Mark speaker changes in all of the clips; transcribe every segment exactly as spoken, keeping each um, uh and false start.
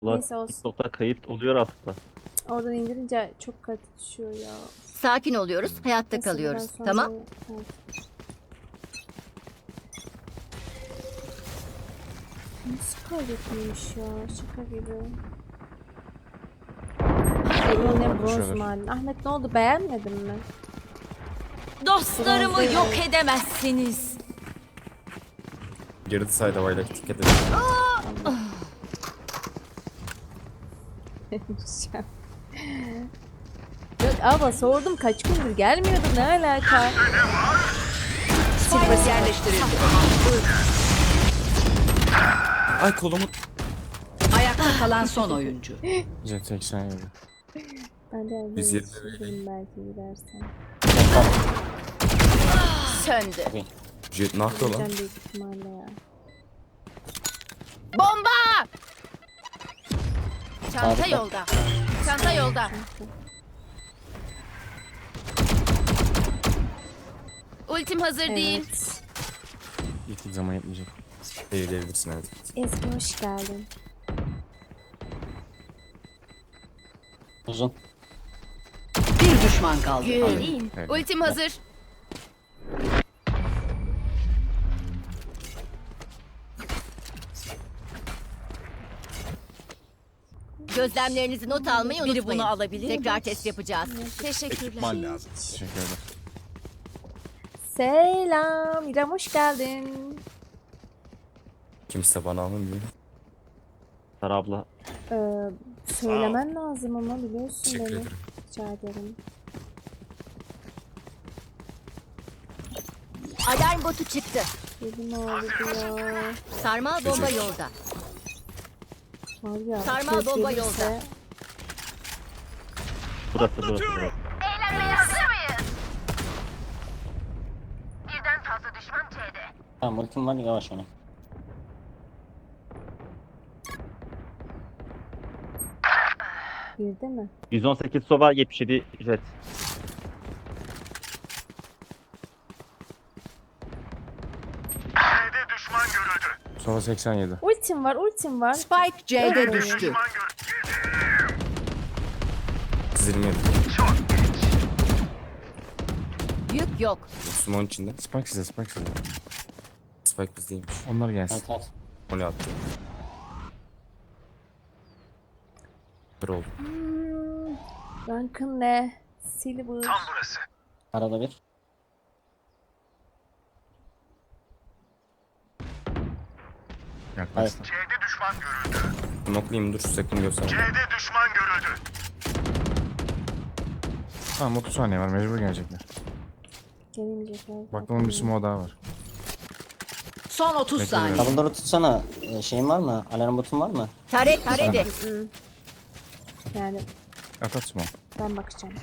Speaker 1: Ulan
Speaker 2: Neyse olsun.
Speaker 1: TikTok'ta kayıt oluyor aslında.
Speaker 2: Oradan indirince çok katı düşüyor ya.
Speaker 3: Sakin oluyoruz, hayatta
Speaker 2: Neyse,
Speaker 3: kalıyoruz.
Speaker 2: buradan sonra-
Speaker 3: Tamam?
Speaker 2: Evet. Nasıl kaybetmemiş ya? Şaka gibi. Ay ne bronz
Speaker 4: konuşuyorlar.
Speaker 2: mahalli. Ahmet ne oldu, beğenmedin mi?
Speaker 5: Dostlarımı
Speaker 2: Biraz
Speaker 5: yok
Speaker 2: da-
Speaker 5: edemezsiniz.
Speaker 4: Girdi sayda vayla dikkat edin.
Speaker 2: Yok abla sordum, kaç gündür gelmiyordum, ne alaka?
Speaker 5: Spike yerleştirildi.
Speaker 4: Ay kolumu.
Speaker 5: Ayakta kalan son oyuncu.
Speaker 4: Jet seksen yedi.
Speaker 2: Ben de evde
Speaker 4: Biz
Speaker 2: yetiştiririm belki gidersen.
Speaker 5: Söndü.
Speaker 4: Jet ne yapıyor lan?
Speaker 2: Gideceğim büyük ihtimalle ya.
Speaker 5: Bomba! Çanta yolda. Çanta yolda. Ultim hazır değil.
Speaker 2: Evet.
Speaker 4: Hiçbir zaman yapmayacak. Eğilebilirsin evet.
Speaker 2: Ezgi hoş geldin.
Speaker 6: Uzun.
Speaker 5: Bir düşman kaldı.
Speaker 2: Geleyim.
Speaker 4: Evet.
Speaker 5: Ultim hazır.
Speaker 3: Gözlemlerinizi not almayı
Speaker 5: Biri
Speaker 3: unutmayın.
Speaker 5: bunu alabilir mi?
Speaker 3: Tekrar test yapacağız.
Speaker 5: Teşekkürler.
Speaker 4: Teşekkür ederim.
Speaker 2: Selam. İrem hoş geldin.
Speaker 4: Kimse bana almıyor.
Speaker 1: Sara abla.
Speaker 2: Ee, söylemen lazım ama biliyorsun
Speaker 4: Teşekkür
Speaker 2: beni.
Speaker 4: ederim.
Speaker 2: Rica ederim.
Speaker 3: Alarm botu çıktı.
Speaker 2: Elim ağrıdı ya.
Speaker 3: Sarmal bomba
Speaker 4: Teşekkür.
Speaker 3: yolda.
Speaker 2: Var ya.
Speaker 3: Sarmal
Speaker 2: kez
Speaker 3: bomba
Speaker 2: gelirse-
Speaker 3: yolda.
Speaker 1: Burası burası burası.
Speaker 6: Tamam ultim var yavaş oyna.
Speaker 2: Girdi mi?
Speaker 1: yüz on sekiz Sova, yetmiş yedi Jet.
Speaker 4: Sova seksen yedi.
Speaker 2: Ultim var, ultim var.
Speaker 5: Spike C'de
Speaker 2: Evet.
Speaker 5: düştü.
Speaker 4: yirmi yedi.
Speaker 3: Yük yok.
Speaker 4: Osman içinde. Spike size Spike size. Spike bizdeymiş.
Speaker 7: Onlar gelsin.
Speaker 6: Evet evet.
Speaker 4: O ne attı? Bir oldu.
Speaker 2: Hmm, rankın ne? Silver.
Speaker 6: Arada bir.
Speaker 7: Yaklaştı.
Speaker 4: Noklayayım dur sakın gösterme.
Speaker 7: Tamam otuz saniye var, mecbur gelecekler.
Speaker 2: Gelemeyecekler.
Speaker 7: Bak onun bir smoke daha var.
Speaker 5: Son otuz
Speaker 7: Bekle
Speaker 5: saniye.
Speaker 7: biraz.
Speaker 6: Double'ları tutsana. Ee, şeyin var mı? Alarm botun var mı?
Speaker 3: Taret taredi.
Speaker 2: Hmm. Yani
Speaker 7: At at smoke.
Speaker 2: ben bakacağım.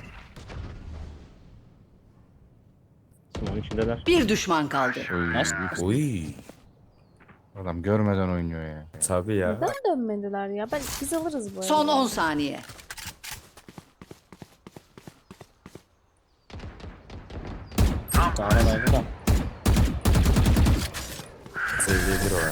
Speaker 1: Smoke'un içindeler.
Speaker 5: Bir düşman kaldı.
Speaker 7: Oy,
Speaker 6: Nice.
Speaker 7: büyük-
Speaker 4: Oy.
Speaker 7: Adam görmeden oynuyor ya.
Speaker 4: Tabii ya.
Speaker 2: Neden dönmediler ya? Ben, biz alırız bu arada.
Speaker 5: Son on saniye.
Speaker 6: Daha da da.
Speaker 4: Seviyedir o ya.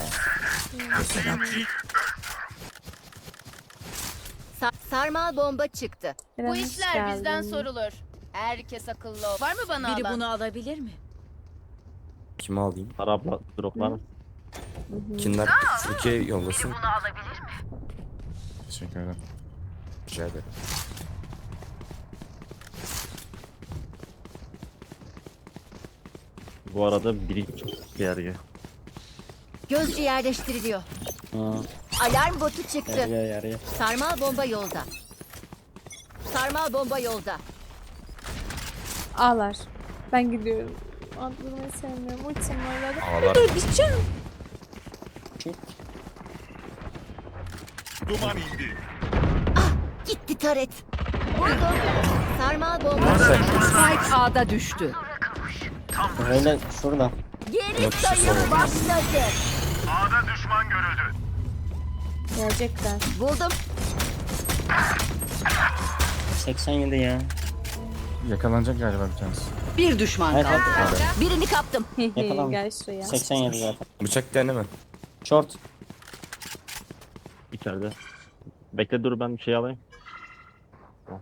Speaker 3: Sa- sarmal bomba çıktı.
Speaker 2: İrem,
Speaker 8: Bu
Speaker 2: hoş
Speaker 8: işler bizden
Speaker 2: geldin.
Speaker 8: sorulur. Herkes akıllı ol. Var mı bana
Speaker 5: Biri
Speaker 8: alan?
Speaker 5: bunu alabilir mi?
Speaker 4: Kimi alayım?
Speaker 1: Sara abla droplar mısın?
Speaker 4: Kimler Türkiye yollasın?
Speaker 7: Teşekkür ederim.
Speaker 4: Rica ederim.
Speaker 1: Bu arada biri çok gergi.
Speaker 3: Gözcü yerleştiriliyor.
Speaker 6: Hı.
Speaker 3: Alarm botu çıktı.
Speaker 6: Yarıyor yarıyor.
Speaker 3: Sarmal bomba yolda. Sarmal bomba yolda.
Speaker 2: Ağlar. Ben gidiyorum. Atlamayı sevmiyorum. Ultim var hadi.
Speaker 4: Ağlar.
Speaker 2: Dur gideceğim.
Speaker 6: Çık.
Speaker 3: Gitti taret. Vurdum. Sarmal bomba.
Speaker 5: Spike A'da düştü.
Speaker 6: Böyle şurada.
Speaker 3: Geri sayım başladı.
Speaker 2: Gelecekler.
Speaker 3: Buldum.
Speaker 6: seksen yedi ya.
Speaker 7: Yakalanacak galiba bir tanesi.
Speaker 5: Bir düşman
Speaker 6: Evet,
Speaker 5: kaldı.
Speaker 6: evet.
Speaker 3: Birini kaptım.
Speaker 6: Yakalanmış.
Speaker 2: Gel şuraya.
Speaker 6: seksen yedi zaten.
Speaker 4: Bıçak deneme.
Speaker 6: Short.
Speaker 1: İçeride. Bekle dur ben bir şey alayım. Tamam.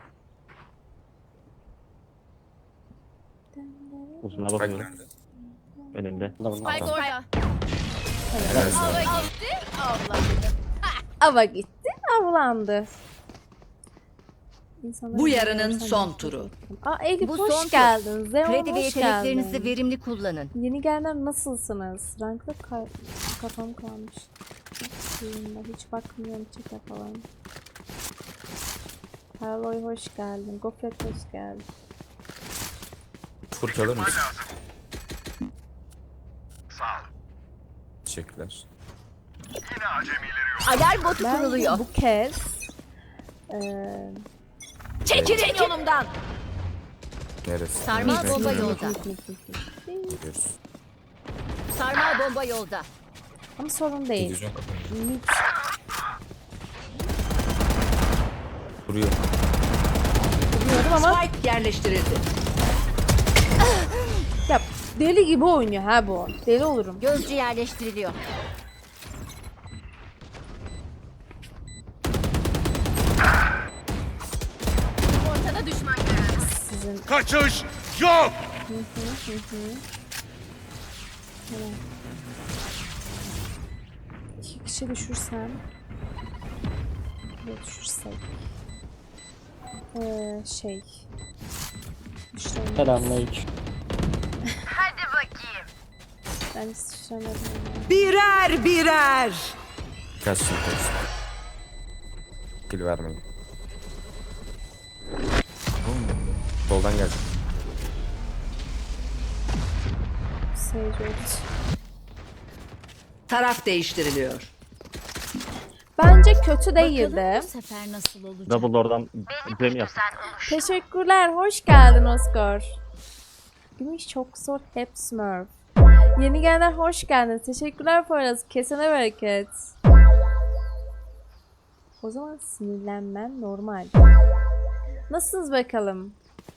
Speaker 1: Uzuna
Speaker 4: Spike
Speaker 1: bakıyorum.
Speaker 4: nerede?
Speaker 1: Önümde.
Speaker 6: Burada burada.
Speaker 8: Spike orada.
Speaker 4: Helal sana.
Speaker 8: Hava gitti. Allah.
Speaker 2: Ava gitti, avlandı. İnsanlar
Speaker 5: Bu yarının
Speaker 2: insan
Speaker 5: son
Speaker 2: nefret
Speaker 5: turu.
Speaker 2: ettim. Aa Elif
Speaker 3: Bu
Speaker 2: hoş
Speaker 3: son tur.
Speaker 2: geldin. Zeon
Speaker 3: Kredi ve
Speaker 2: hoş
Speaker 3: yeteneklerinizi
Speaker 2: geldin.
Speaker 3: verimli kullanın.
Speaker 2: Yeni gelenler nasılsınız? Rankta ka- kafam kalmış. Suyumda hiç bakmıyorum çete falan. Harloy hoş geldin. Gofret hoş geldin.
Speaker 4: Furk alır mısın? Teşekkürler.
Speaker 3: Alarm botu
Speaker 2: Ben
Speaker 3: kuruluyor.
Speaker 2: bu kez eee
Speaker 3: Çekilin yolumdan.
Speaker 4: Neresi?
Speaker 3: Sarmal
Speaker 4: Nerede?
Speaker 3: bomba
Speaker 4: Nerede?
Speaker 3: yolda.
Speaker 4: Gidiyoruz.
Speaker 3: Sarmal bomba yolda.
Speaker 2: ama sorun değil.
Speaker 4: Televizyon kapanıyor.
Speaker 2: Mid
Speaker 4: Vuruyor.
Speaker 2: biliyorum ama
Speaker 5: Spike yerleştirildi.
Speaker 2: ya deli gibi oynuyor ha bu. Deli olurum.
Speaker 3: Gözcü yerleştiriliyor. Ortada düşman görüldü.
Speaker 2: Sizin
Speaker 9: Kaçış yok.
Speaker 2: iki kişi düşürsem ve düşürsek eee şey düşüremeyiz.
Speaker 6: Selamünaleyküm.
Speaker 2: Ben hiç düşüremedim ya.
Speaker 5: Birer birer.
Speaker 4: Kaç şimdi kaç. Kill vermeyin. Soldan gelecek.
Speaker 2: Sage öldü.
Speaker 5: Taraf değiştiriliyor.
Speaker 2: Bence kötü
Speaker 3: Bakalım
Speaker 2: değildi.
Speaker 3: bu sefer nasıl olacak?
Speaker 1: Double oradan bize mi yapsın?
Speaker 2: Teşekkürler. Hoş geldin Oscar. Gümüş çok zor. Hep Smurf. Yeni gelenler hoş geldiniz. Teşekkürler Poyraz. Kesene bereket. O zaman sinirlenmen normal. Nasılsınız bakalım?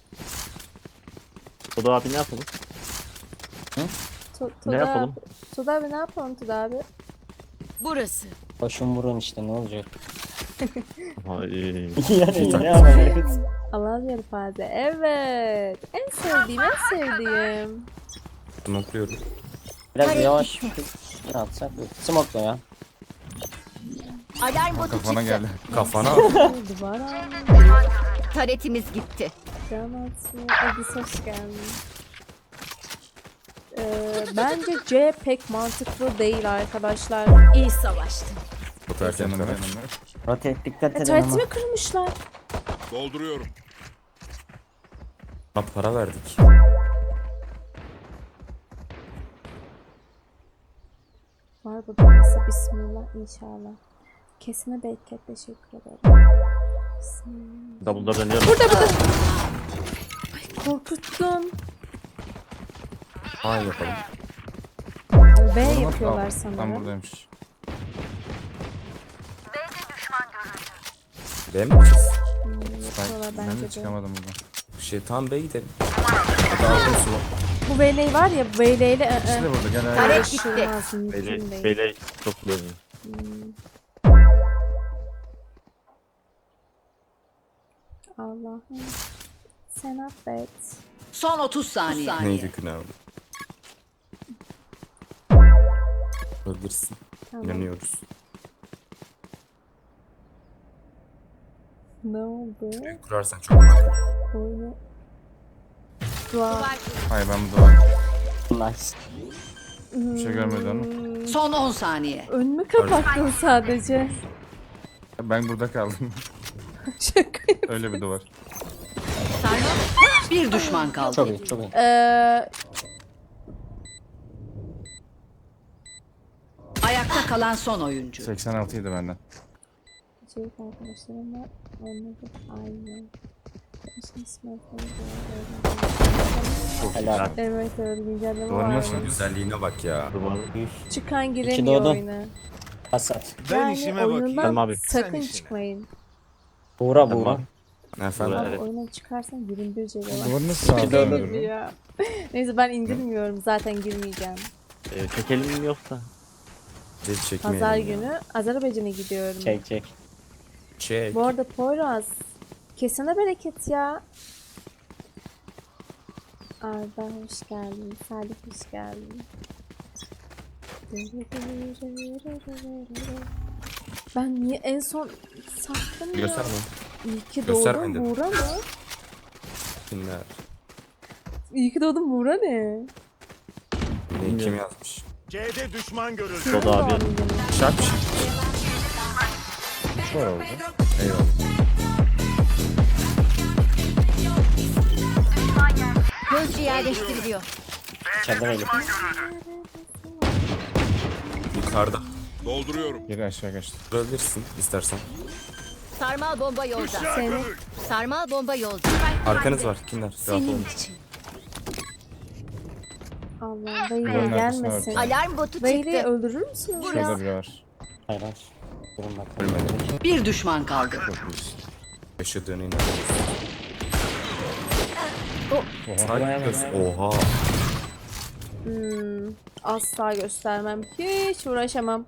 Speaker 1: Tuda abi ne yapalım?
Speaker 2: Tu-
Speaker 1: Ne
Speaker 2: Tuda-
Speaker 1: yapalım?
Speaker 2: Tuda abi ne yapalım Tuda abi?
Speaker 3: Burası.
Speaker 6: Başım vurun işte ne olacak?
Speaker 1: Ay,
Speaker 6: yani ne yapalım?
Speaker 2: Allah yarı fazla. Evet. En sevdiğim, en sevdiğim.
Speaker 4: Smokluyorum.
Speaker 6: Biraz yavaş atsak. Smoke'la ya.
Speaker 3: Alarm botu
Speaker 7: Kafana
Speaker 3: çıktı.
Speaker 7: geldi.
Speaker 4: Kafana.
Speaker 2: Duvara.
Speaker 3: Taretimiz gitti.
Speaker 2: Can atıyor. Edis hoş geldin. Ee, bence C pek mantıklı değil arkadaşlar.
Speaker 3: İyi savaştın.
Speaker 4: Çok erken
Speaker 7: Yanımda
Speaker 4: karar.
Speaker 7: yanımda.
Speaker 6: Rotate dikkat
Speaker 2: E,
Speaker 6: edin ama.
Speaker 2: tuvaletimi kırmışlar.
Speaker 9: Dolduruyorum.
Speaker 4: Buna para verdik.
Speaker 2: Var burada nasıl bismillah inşallah. Kesine bereket teşekkür ederim. Bismillah.
Speaker 1: Double'da dönüyorum.
Speaker 2: Korkuttun.
Speaker 4: A yapalım.
Speaker 2: B
Speaker 7: Oğlum,
Speaker 2: yapıyorlar
Speaker 7: al. Tam
Speaker 2: sanırım.
Speaker 7: buradaymış.
Speaker 4: B mi gideceğiz?
Speaker 2: Hmm, yapıyorlar
Speaker 7: Ben
Speaker 2: bence
Speaker 7: de
Speaker 2: de.
Speaker 7: çıkamadım buradan.
Speaker 4: Şey tamam B'ye gidelim. Hadi aldım su.
Speaker 2: Bu Veyle'yi var ya Veyle'yle ı
Speaker 7: İkisi de
Speaker 2: ı.
Speaker 7: burada gel hadi.
Speaker 3: Taret gitti.
Speaker 2: Uğraşılmaz, mümkün
Speaker 1: Beyle,
Speaker 2: değil.
Speaker 1: beyle çok bölüm.
Speaker 2: Allah'ım. Sen affet.
Speaker 5: Son otuz saniye.
Speaker 4: Neydi günah? Öldürsün.
Speaker 2: Tamam.
Speaker 4: İnanıyoruz.
Speaker 2: Ne oldu?
Speaker 4: Kurarsan çok makul.
Speaker 2: Oyunu. Dua.
Speaker 7: Hayır ben bu duvar.
Speaker 6: Nice.
Speaker 7: Bir şey görmedi onu.
Speaker 2: Hmm,
Speaker 5: Son on saniye.
Speaker 2: önümü kapattın sadece.
Speaker 7: Ben burada kaldım.
Speaker 2: Şaka.
Speaker 7: Öyle bir duvar.
Speaker 5: Bir düşman kaldı.
Speaker 6: Çok iyi çok iyi.
Speaker 2: Ee,
Speaker 5: Ayakta kalan son oyuncu.
Speaker 7: seksen altı ydi benden.
Speaker 2: Çocuk arkadaşlarımla oynadık aynı. Şimdi smartphone
Speaker 6: Helal.
Speaker 2: Evet evet güncelleme
Speaker 7: Duvarın
Speaker 2: var.
Speaker 7: nasıl?
Speaker 4: Güzelliğine bak ya.
Speaker 1: Duvar.
Speaker 2: Çıkan
Speaker 6: İki
Speaker 2: giremiyor
Speaker 6: doğdu.
Speaker 2: oyuna.
Speaker 6: Hasat.
Speaker 9: Ben
Speaker 2: Yani
Speaker 9: işime
Speaker 2: oyundan
Speaker 9: bakayım.
Speaker 1: Tamam abi.
Speaker 2: sakın
Speaker 9: Sen işine.
Speaker 2: çıkmayın.
Speaker 6: Buğra
Speaker 1: Tamam.
Speaker 6: buğra.
Speaker 4: Efendim?
Speaker 2: Abi
Speaker 1: Evet.
Speaker 2: oyuna çıkarsan yirmi bir C B var.
Speaker 7: Duvarı nasıl
Speaker 6: İki doğdu.
Speaker 7: sağladın?
Speaker 2: Ya. Neyse ben indirmiyorum zaten girmeyeceğim.
Speaker 1: Ee, çekelim mi yoksa?
Speaker 4: Cet çekmeyelim
Speaker 2: Pazar
Speaker 4: ya.
Speaker 2: günü Azerbaycan'a gidiyorum.
Speaker 6: Çek çek.
Speaker 4: Çek.
Speaker 2: Bu arada Poyraz, kesene bereket ya. Arda hoş geldin. Salih hoş geldin. Ben niye en son sattım ya?
Speaker 4: Gösterme.
Speaker 2: İyi ki
Speaker 4: Göster
Speaker 2: doğdun
Speaker 4: bende.
Speaker 2: Buğra mı?
Speaker 4: Kimler?
Speaker 2: İyi ki doğdun Buğra ne?
Speaker 4: Ne kim yazmış?
Speaker 9: C'de düşman görüldü.
Speaker 2: Senin
Speaker 1: Dodo abi.
Speaker 2: doğum günün.
Speaker 4: Şark bir şey.
Speaker 7: Şu var orada.
Speaker 4: Eyvallah.
Speaker 3: Gözcü yerleştiriliyor.
Speaker 6: İçeride böyle.
Speaker 4: Yukarıda.
Speaker 9: Dolduruyorum.
Speaker 7: Geri aşağı kaçtı.
Speaker 4: Durabilirsin istersen.
Speaker 3: Sarmal bomba yolda.
Speaker 2: Seni
Speaker 3: Sarmal bomba yolda.
Speaker 4: Arkanız var. Kimler? Rahat
Speaker 3: Senin
Speaker 4: olun.
Speaker 3: için.
Speaker 2: Allah Beyli'ye
Speaker 7: Buranın arkasına
Speaker 2: gelmesin.
Speaker 7: bak.
Speaker 3: Alarm botu
Speaker 2: Beyli'yi
Speaker 3: çıktı.
Speaker 2: öldürür müsünüz ya?
Speaker 7: Şurada biri var.
Speaker 6: Hayır hayır. Durun bakalım.
Speaker 4: Ölmedi.
Speaker 5: Bir düşman kaldı.
Speaker 7: Çok iyisin.
Speaker 4: Yaşadığını inanıyorsun.
Speaker 7: Oha.
Speaker 4: Saygı. Oha.
Speaker 2: Hmm, asla göstermem. Hiç uğraşamam.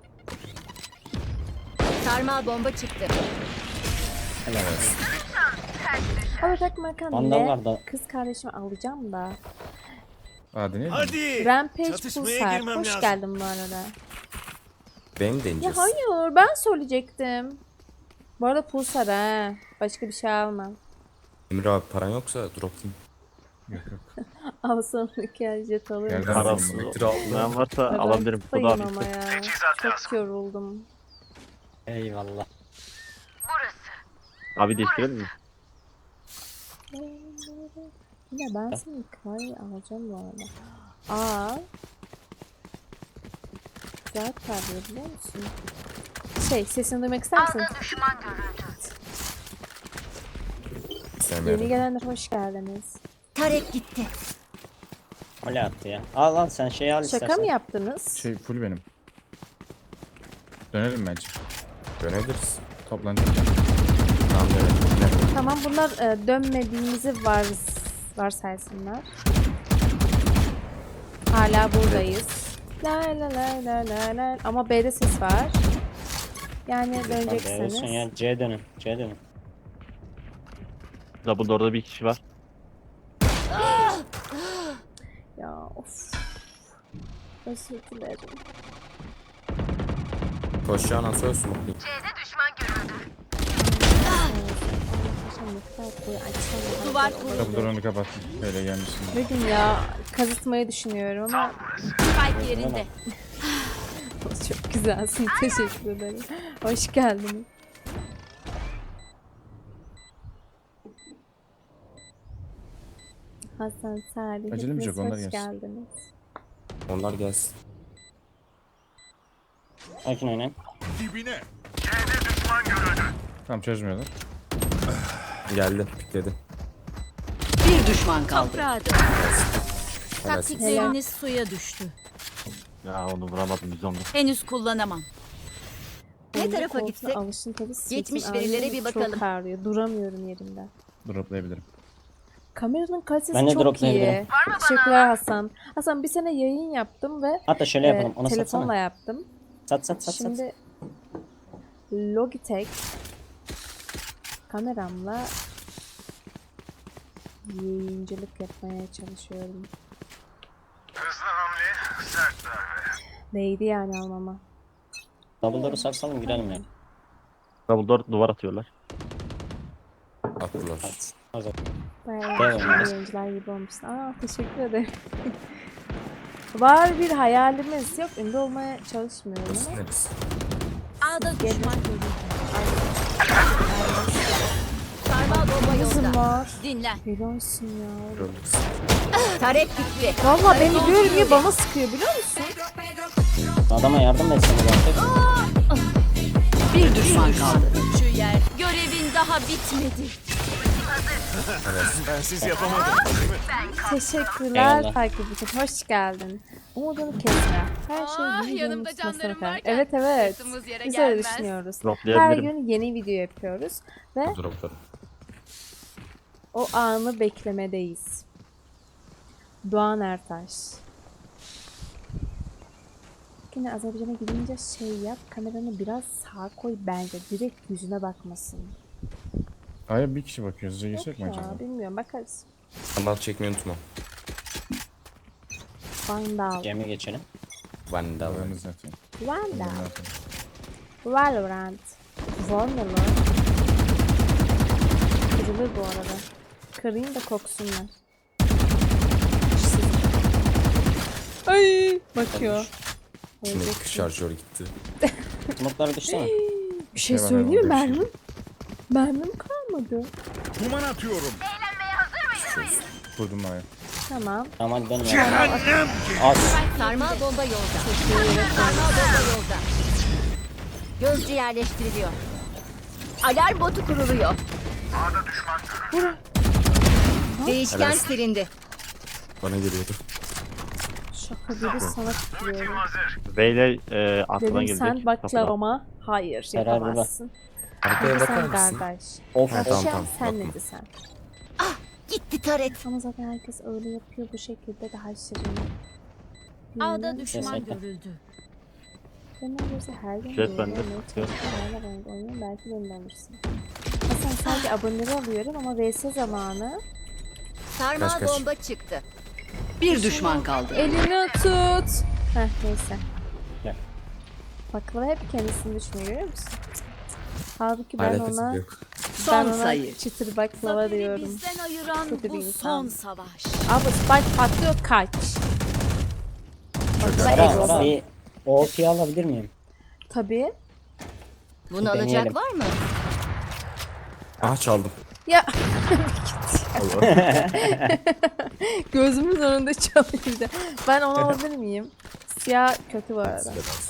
Speaker 3: Sarmal bomba çıktı.
Speaker 6: Helal olsun.
Speaker 2: Alacak makan
Speaker 6: Vandal
Speaker 2: ne?
Speaker 6: var da.
Speaker 2: Kız kardeşimi alacağım da.
Speaker 7: Aa deneyelim mi?
Speaker 9: Hadi.
Speaker 2: Rampage
Speaker 9: Çatışmaya
Speaker 2: Pulsar.
Speaker 9: girmem
Speaker 2: Hoş
Speaker 9: lazım.
Speaker 2: geldin bu arada.
Speaker 4: Benim
Speaker 2: Ya
Speaker 4: deneyeceğiz.
Speaker 2: hayır ben söyleyecektim. Bu arada Pulsar ha. Başka bir şey almam.
Speaker 4: Emir abi paran yoksa droplayayım.
Speaker 7: Yok yok.
Speaker 2: Al sonraki el jet alırım.
Speaker 7: Yerden
Speaker 1: Parasız
Speaker 7: alalım.
Speaker 4: Metre aldım.
Speaker 1: olmayan varsa
Speaker 2: Ay, ben
Speaker 1: alabilirim. Dodo
Speaker 2: kafayım
Speaker 1: abi.
Speaker 2: ama ya. Çok yoruldum.
Speaker 6: Eyvallah.
Speaker 1: Abi değiştirelim mi?
Speaker 2: Ya ben seni Kari alacağım bu arada. Aa. Güzel parlıyor biliyor musun? Şey sesini duymak ister misin? Yeni
Speaker 4: Sevmiyorum.
Speaker 2: gelenler hoş geldiniz.
Speaker 3: Tarek gitti.
Speaker 6: Öyle attı ya. Al al sen şeyi al istersen.
Speaker 2: Şaka mı yaptınız?
Speaker 7: Şey full benim. Dönelim bence.
Speaker 4: Dönebiliriz.
Speaker 7: Toplanacak.
Speaker 4: Tamam dönelim. Ne?
Speaker 2: Tamam bunlar e, dönmediğimizi var varsaysınlar. Hala buradayız. La la la la la la. Ama B'de ses var. Yani
Speaker 6: Hadi olsun
Speaker 2: dönecekseniz.
Speaker 6: ya. C dönün. C dönün.
Speaker 1: Double door'da bir kişi var.
Speaker 2: Ya of. Özür dilerim.
Speaker 4: Koşacağın an söz smoke'layım.
Speaker 3: Duvar
Speaker 7: Kapı drone'u kapattım. Öyle gelmişsin.
Speaker 2: Bugün ya kazıtmayı düşünüyorum ama
Speaker 3: Spike yerinde.
Speaker 2: çok güzelsin. Teşekkür ederim. Hoş geldin. Hasan, Salih,
Speaker 7: Acelemiz
Speaker 2: hepiniz
Speaker 7: yok, onlar
Speaker 2: hoş
Speaker 7: gelsin.
Speaker 2: geldiniz.
Speaker 4: Onlar gelsin.
Speaker 6: Sakin oynayın.
Speaker 9: Dibine.
Speaker 7: Tamam çözmüyorlar.
Speaker 4: Geldi. Pikledi.
Speaker 5: Bir düşman kaldı.
Speaker 3: Toprağa dön.
Speaker 4: Helalsin.
Speaker 3: Taktikleriniz suya düştü.
Speaker 1: Ya onu vuramadım biz onu.
Speaker 3: Henüz kullanamam. Ne
Speaker 2: Oyunda
Speaker 3: tarafa
Speaker 2: koltuğa
Speaker 3: gitsek?
Speaker 2: alışın tabii, sırtım
Speaker 3: Geçmiş
Speaker 2: ağrıyor,
Speaker 3: verilere bir
Speaker 2: Çok
Speaker 3: bakalım.
Speaker 2: ağrıyor. Duramıyorum yerimde.
Speaker 7: Droplayabilirim.
Speaker 2: Kameranın kalitesi
Speaker 6: Ben de
Speaker 2: çok iyi.
Speaker 6: droplayabilirim.
Speaker 2: Teşekkürler Hasan. Hasan bir sene yayın yaptım ve
Speaker 6: Hatta şöyle
Speaker 2: e,
Speaker 6: yapalım. Ona
Speaker 2: telefonla
Speaker 6: satsana.
Speaker 2: yaptım.
Speaker 6: Sat sat sat sat.
Speaker 2: Şimdi Logitech kameramla yayıncılık yapmaya çalışıyorum. Hızlı hamle, sert darbe. Neydi yani almama?
Speaker 6: Double door'u sarsalım girelim ya.
Speaker 1: Double door duvar atıyorlar.
Speaker 4: Attılar.
Speaker 6: At. Hazır.
Speaker 2: Bayağı
Speaker 6: Evet.
Speaker 2: güzel yayıncılar gibi olmuşsun. Aa teşekkür ederim. Var bir hayalimiz. Yok ünlü olmaya çalışmıyorum
Speaker 4: Burası
Speaker 2: ama.
Speaker 4: neresi?
Speaker 3: A'da düşman görüldü. Sarmal bomba
Speaker 2: Kızım
Speaker 3: yolda.
Speaker 2: var.
Speaker 3: Dinlen.
Speaker 2: Helalsin ya.
Speaker 4: Görürüz.
Speaker 3: Tarek gitti.
Speaker 2: Valla beni görmüyor bana sıkıyor biliyor musun?
Speaker 6: Adama yardım etsene artık.
Speaker 5: Bir düşman kaldı.
Speaker 3: Şu yer. Görevin daha bitmedi.
Speaker 9: Bensiz yapamadım.
Speaker 2: Teşekkürler
Speaker 6: Eyvallah.
Speaker 2: takip için. Hoş geldin. Umudunu kesme. Her şey
Speaker 8: Ah,
Speaker 2: bir
Speaker 8: yanımda
Speaker 2: videonun tutmasına
Speaker 8: canlarım
Speaker 2: kadar.
Speaker 8: varken
Speaker 2: Evet evet.
Speaker 8: sırtımız yere
Speaker 2: Biz öyle
Speaker 8: gelmez.
Speaker 2: düşünüyoruz. Her
Speaker 1: Droplayabilirim.
Speaker 2: gün yeni video yapıyoruz. Ve
Speaker 4: Droplarım.
Speaker 2: o anı beklemedeyiz. Doğan Ertaş. Sasuke'nin Azerbaycan'a gidince şey yap, kameranı biraz sağa koy bence. Direkt yüzüne bakmasın.
Speaker 4: Hayır bir kişi bakıyor. Size
Speaker 2: Yok
Speaker 4: geçecek mi acaba?
Speaker 2: ya, bilmiyorum, bakarız.
Speaker 7: Kanal çekmeyi unutma.
Speaker 2: Vandal.
Speaker 6: Gemi geçelim.
Speaker 7: Vandal.
Speaker 4: Haberiniz zaten.
Speaker 2: Vandal. Valorant. Valorant. Kırılır bu arada. Kırayım da koksunlar. Ay, bakıyor.
Speaker 7: Şimdi şarjör gitti.
Speaker 6: Smoke'lara düşsene.
Speaker 2: Bir şey
Speaker 4: Hemen
Speaker 2: söyleyeyim mi?
Speaker 4: hemen
Speaker 2: Mermim, mermim kalmadı.
Speaker 9: Duman atıyorum.
Speaker 4: Kurdum A'ya.
Speaker 2: Tamam.
Speaker 6: Tamam hadi dönün. Az.
Speaker 3: Sarmal bomba yolda. Sarmal bomba yolda. Gözcü yerleştiriliyor. Alarm botu kuruluyor. Değişken silindi.
Speaker 7: Bana geliyordu.
Speaker 2: Şaka gibi sana tutuyorum.
Speaker 1: V ile e, aklına
Speaker 2: Dedim
Speaker 1: gelecek.
Speaker 2: sen
Speaker 1: Kapıdan.
Speaker 2: baklavama. Hayır,
Speaker 6: Karar burada.
Speaker 2: yapamazsın.
Speaker 7: Arkaya
Speaker 2: Hadi
Speaker 7: bakar
Speaker 2: sen
Speaker 7: mısın?
Speaker 2: kardeş.
Speaker 6: Of.
Speaker 7: Ha, tamam,
Speaker 2: Akşam
Speaker 7: tamam,
Speaker 2: sen
Speaker 7: bakma.
Speaker 2: ne desen.
Speaker 3: Gitti taret.
Speaker 2: Ama zaten herkes öyle yapıyor, bu şekilde daha şirin.
Speaker 8: Ağda
Speaker 2: Bilmiyorum.
Speaker 8: düşman
Speaker 6: Kesinlikle.
Speaker 8: görüldü.
Speaker 2: Ben olursa her gün
Speaker 1: Jet bende.
Speaker 2: oynamaya çalışıyorum. Hala ben oynuyorum, belki beni de alırsın. Hasan sadece aboneleri alıyorum ama V S zamanı.
Speaker 3: Sarmal
Speaker 7: Kaç, kaç.
Speaker 3: bomba çıktı.
Speaker 5: Bir düşman kaldı.
Speaker 2: Elini tut. Heh, neyse.
Speaker 6: Gel.
Speaker 2: Baklava hep kendisini düşünüyor, görüyor musun? Halbuki ben
Speaker 7: Alakası
Speaker 2: ona,
Speaker 7: yok.
Speaker 2: ben
Speaker 5: Son
Speaker 2: ona
Speaker 5: sayı.
Speaker 2: çıtır baklava diyorum.
Speaker 8: Bizden ayıran
Speaker 2: Kötü bir
Speaker 8: bu
Speaker 2: insan.
Speaker 8: son savaş.
Speaker 2: Abi spike patlıyor, kaç. Baklava
Speaker 6: Sara,
Speaker 2: egosu.
Speaker 6: Sara bir O P alabilir miyim?
Speaker 2: Tabii.
Speaker 3: Bunu
Speaker 6: Deneyelim.
Speaker 3: alacak var mı?
Speaker 7: Ah çaldım.
Speaker 2: Ya gözümün önünde çalıyordu. Ben onu alabilir miyim? Siyah kötü bu arada.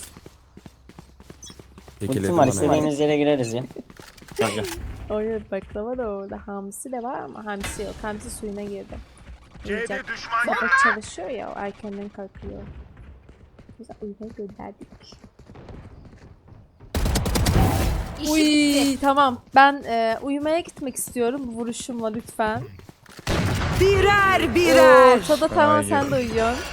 Speaker 6: Ultim var, istediğimiz yere gireriz ya.
Speaker 1: Gel gel.
Speaker 2: Orada baklava da orada. Hamsi de var ama hamsi yok. Hamsi suyuna girdi. Uyuyacak. Sabah çalışıyor ya, o erkenden kalkıyor. Biz uyumaya gönderdik.
Speaker 8: İşi
Speaker 2: Uy
Speaker 8: bitti.
Speaker 2: tamam. Ben e, uyumaya gitmek istiyorum bu vuruşumla lütfen.
Speaker 5: Birer birer.
Speaker 2: Ortada tamam,
Speaker 4: Kolay
Speaker 2: sen de uyuyorsun.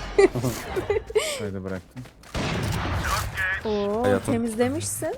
Speaker 4: Kayda bıraktım.
Speaker 2: Oo,
Speaker 7: Hayatım.
Speaker 2: temizlemişsin.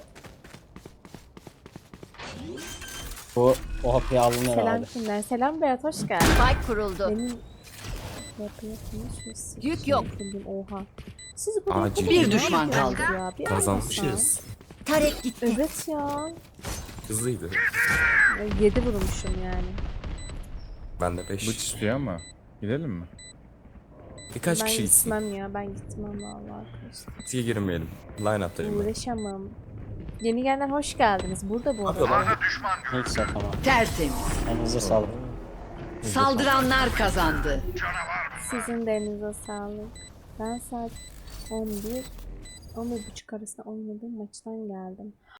Speaker 6: Bu O P alınır
Speaker 2: Selam
Speaker 6: abi.
Speaker 2: kimler? Selam Berat, hoş geldin.
Speaker 3: Spike kuruldu.
Speaker 2: Benim yapıyorsunuz şu
Speaker 3: Yük yok.
Speaker 2: sildim, oha. Siz bu
Speaker 7: Acil.
Speaker 5: Bir düşman kaldı.
Speaker 2: Ya, bir
Speaker 7: Kazanmışız.
Speaker 3: Taret gitti.
Speaker 2: anlasan. Evet ya.
Speaker 7: Hızlıydı.
Speaker 2: Yedi vurmuşum yani.
Speaker 7: Ben de
Speaker 4: Bıç
Speaker 7: beş.
Speaker 4: istiyor ama. Gidelim mi?
Speaker 7: Birkaç
Speaker 2: ben
Speaker 7: kişi gitsin.
Speaker 2: gitmem ya, ben gitmem vallahi arkadaşlar.
Speaker 7: Diye girmeyelim. Line up'tayım ben.
Speaker 2: Uğraşamam. Yeni gelenler hoş geldiniz. Burada bu arada.
Speaker 6: Hiç satamam.
Speaker 5: Tertemiz.
Speaker 6: Elinize sağlık.
Speaker 5: Saldıranlar kazandı.
Speaker 2: Sizin de elinize sağlık. Ben saat on bir on bir buçuk arasında oynadım, maçtan geldim.